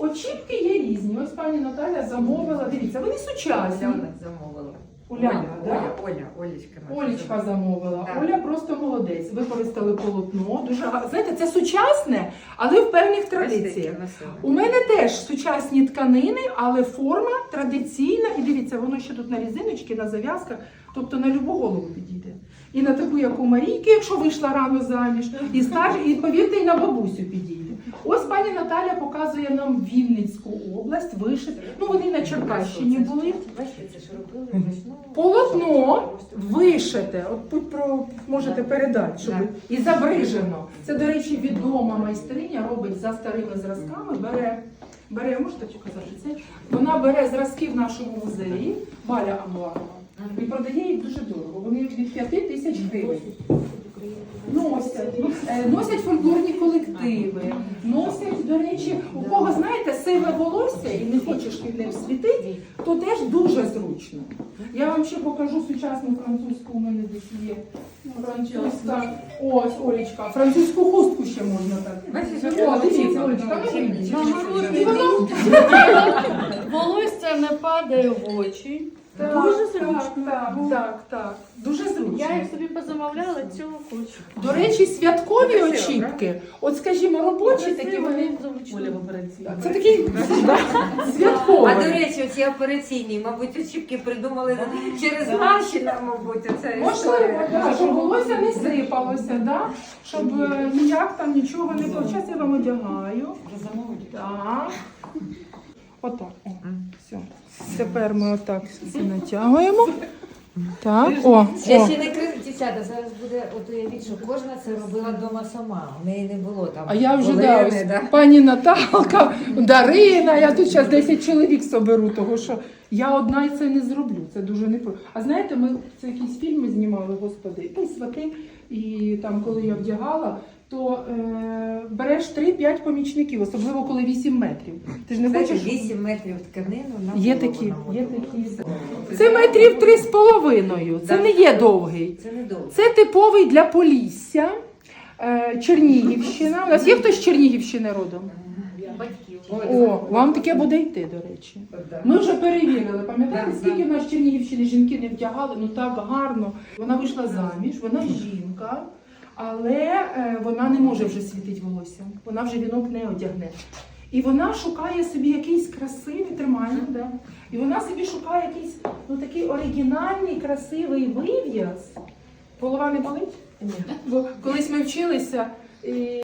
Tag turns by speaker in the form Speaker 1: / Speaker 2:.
Speaker 1: очіпки є різні. Ось пані Наталя замовила. Дивіться, вони сучасні.
Speaker 2: Оля замовила. Олечка.
Speaker 1: Олечка замовила.
Speaker 2: Так.
Speaker 1: Оля просто молодець. Використали полотно. Дуже гарно. Знаєте, це сучасне, але в певних традиціях. У мене теж сучасні тканини, але форма традиційна. І дивіться, воно ще тут на різиночці, на зав'язках, тобто на любу голову підійде. І на таку, як у Марійки, якщо вийшла рано заміж, і старша, і повірте, і на бабусю підійде. Ось пані Наталя показує нам Вінницьку область, вишит. Ну, вони на Черкащині були. Полотно вишите, от тут можете передати, щоб і забрижено. Це, до речі, відома майстриня, робить за старими зразками, бере, можете показати це? Вона бере зразки в нашому музеї, Валя Амуарова, і продає їх дуже дорого. Вони від 5 тисяч гривень. Носять фольклорні колективи, носять, до речі, у кого, знаєте, сиве волосся і не хочеш під ним світити, то теж дуже зручно. Я вам ще покажу сучасну французьку, у мене десь є французька, ось, Олечка, французьку хустку ще можна так. О, дивіться, Олечка,
Speaker 3: Волосся не падає в очі. Дуже зручно.
Speaker 1: Так. Дуже зручно.
Speaker 3: Я їх собі позамовляла, цього хочу.
Speaker 1: До речі, святкові очіпки, от скажімо, робочі такі вони. Це такі святкові.
Speaker 2: А до речі, оці операційні, мабуть, очіпки придумали через наші, мабуть, оце
Speaker 1: Можливо, щоб волосся не сипалося, да? Щоб ніяк там нічого не було. Зараз я вам одягаю. Так. Отак. О, все. Тепер ми отак це натягуємо. Так,
Speaker 2: Я ще не крив, дівчата, зараз буде, от уявіть, що кожна це робила вдома сама, у неї не було там.
Speaker 1: А я вже,
Speaker 2: Олени,
Speaker 1: ось, пані Наталка, Дарина, я тут зараз 10 чоловік соберу, того що я одна і це не зроблю, це дуже непросто. А знаєте, ми це якісь фільми знімали, господи, і свати, і там, коли я вдягала, то береш 3-5 помічників, особливо коли 8 метрів. Ти ж не хочеш?
Speaker 2: 8 метрів тканину на
Speaker 1: Є
Speaker 2: голову
Speaker 1: такі,
Speaker 2: намотати.
Speaker 1: є такі. Це метрів 3,5, це не є довгий.
Speaker 2: Це не довго.
Speaker 1: Це типовий для Полісся, Чернігівщина. У нас є хтось з Чернігівщини родом?
Speaker 3: Батьків.
Speaker 1: О, вам таке буде йти, до речі. Ми вже перевірили, пам'ятаєте, скільки в нас з Чернігівщини жінки не вдягали, ну так гарно. Вона вийшла заміж, вона жінка, але вона не може вже світити волоссям, вона вже вінок не одягне. І вона шукає собі якийсь красивий, тримання, да? І вона собі шукає якийсь такий оригінальний, красивий вив'яз. Голова не болить? Ні. Бо колись ми вчилися, і